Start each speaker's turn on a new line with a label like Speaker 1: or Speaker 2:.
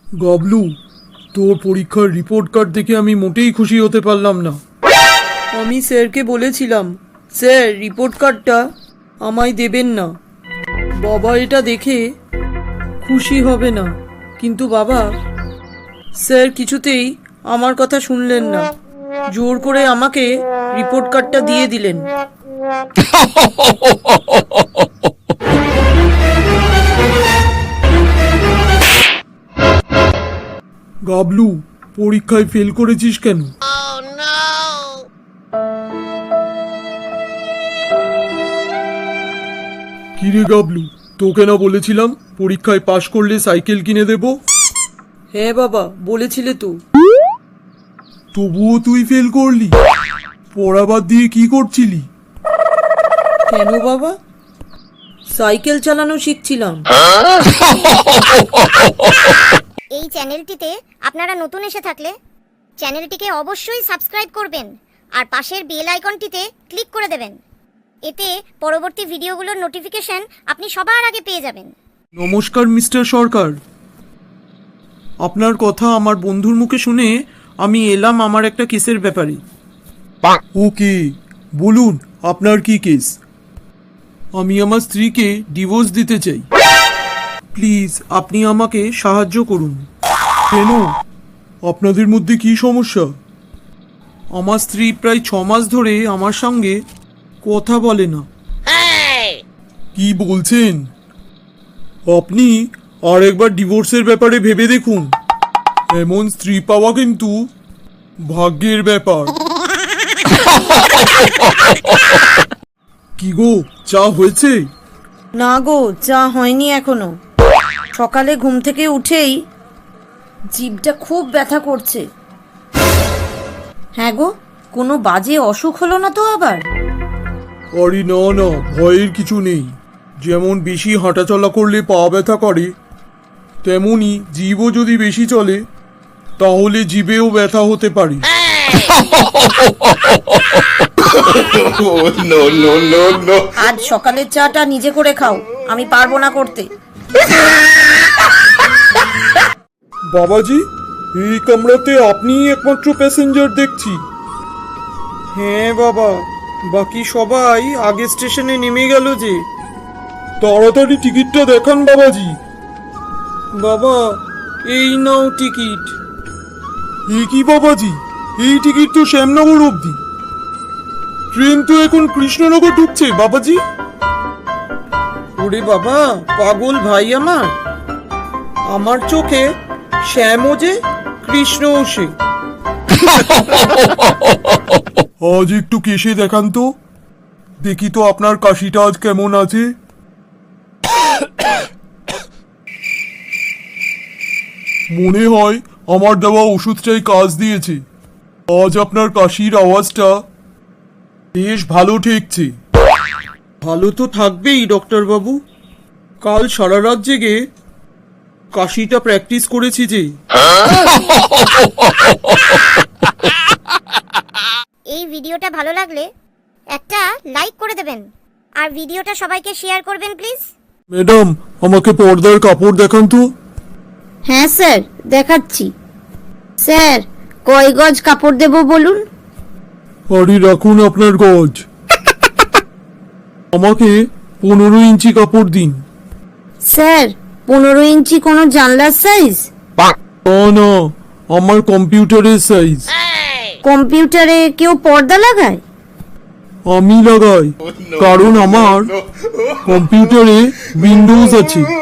Speaker 1: গাবলু, তোর পরীক্ষার report card দেখে আমি মোটেই খুশি হতে পারলাম না। আমি স্যারকে বলেছিলাম, স্যার রিপোর্ট কার্ডটা আমায় দেবেন না, বাবা এটা দেখে খুশি হবে না। কিন্তু বাবা, স্যার কিছুতেই আমার কথা শুনলেন না, জোর করে আমাকে রিপোর্ট কার্ডটা দিয়ে দিলেন। গাবলু, পরীক্ষায় ফেল করেছিস কেন? কিরে গাবলু, তোকে না বলেছিলাম পরীক্ষায় পাশ করলে সাইকেল কিনে দেব? হ্যাঁ বাবা, বলেছিলে তো। তবুও তুই ফেল করলি। পড়া বাদ দিয়ে কি করছিলি? কেন বাবা? সাইকেল চালানো শিখছিলাম।
Speaker 2: এই চ্যানেলটিতে আপনারা নতুন এসে থাকলে চ্যানেলটিকে অবশ্যই সাবস্ক্রাইব করবেন আর পাশের বেল আইকনটিতে ক্লিক করে দেবেন। এতে পরবর্তী ভিডিওগুলোর নোটিফিকেশন আপনি সবার আগে পেয়ে যাবেন।
Speaker 1: নমস্কার মিস্টার সরকার, আপনার কথা আমার বন্ধুর মুখে শুনে আমি এলাম আমার একটা কেসের ব্যাপারে। ওকে, বলুন আপনার কি কেস? আমি আমার স্ত্রীকে ডিভোর্স দিতে চাই। প্লিজ আপনি আমাকে সাহায্য করুন। কেন? আপনাদের মধ্যে কি সমস্যা? আমার স্ত্রী প্রায় 6 মাস ধরে আমার সঙ্গে কথা বলে না। কি বলছেন? আপনি আরেকবার ডিভোর্সের ব্যাপারে ভেবে দেখুন। এমন স্ত্রী পাওয়া কিন্তু ভাগ্যের ব্যাপার। কি গো, চা হয়েছে?
Speaker 3: না গো, চা হয়নি এখনো। সকালে ঘুম থেকে উঠেই জিভটা খুব ব্যথা করছে। হ্যাঁ গো, কোনো বাজে অসুখ হলো না তো আবার?
Speaker 1: আরে না না, ভয়ের কিছু নেই। যেমন বেশি হাঁটাচলা করলে পা ব্যথা করে, তেমনি জিভও যদি বেশি চলে তাহলে জিভেও ব্যথা হতে পারে।
Speaker 3: আজ সকালের চাটা নিজে করে খাও, আমি পারবো না করতে।
Speaker 1: বাবাজি, এই কামরাতে আপনিই একমাত্র প্যাসেঞ্জার দেখছি। হ্যাঁ বাবা, বাকি সবাই আগে স্টেশনে নেমে গেল যে। তাড়াতাড়ি টিকিটটা দেখান বাবাজি। বাবা, এই নাও টিকিট। এ কি বাবাজি, এই টিকিট তো শ্যামনগর অবধি। ট্রেন তো এখন কৃষ্ণনগর ঢুকছে বাবাজি। ওরে বাবা, পাগল ভাই আমার। আমার চোখে শ্যামও যে, কৃষ্ণও সে। আজ একটু কেশে দেখান তো, দেখি তো আপনার কাশিটা আজ কেমন আছে। মনে হয় আমার দেওয়া ওষুধটাই কাজ দিয়েছে। আজ আপনার কাশির আওয়াজটা বেশ ভালো ঠেকছে। ভালো তো থাকবেই ডক্টর বাবু, কাল সারা রাত জেগে কাশিটা প্র্যাকটিস করেছি যে।
Speaker 2: এই ভিডিওটা ভালো লাগলে একটা লাইক করে দেবেন আর ভিডিওটা সবাইকে শেয়ার করবেন প্লিজ।
Speaker 1: ম্যাডাম, আমাকে পর্দার কাপড় দেখান তো।
Speaker 3: হ্যাঁ স্যার, দেখাচ্ছি। স্যার, কয় গজ কাপড় দেব বলুন?
Speaker 1: আরে রাখুন আপনার গজ। আমাকে 15 ইঞ্চি কাপড় দিন।
Speaker 3: স্যার, 15 ইঞ্চি কোনো জানলার সাইজ?
Speaker 1: না না, আমার কম্পিউটারের সাইজ।
Speaker 3: কম্পিউটারে কেউ পর্দা লাগায়?
Speaker 1: আমি লাগাই, কারণ আমার কম্পিউটারে উইন্ডোজ আছে।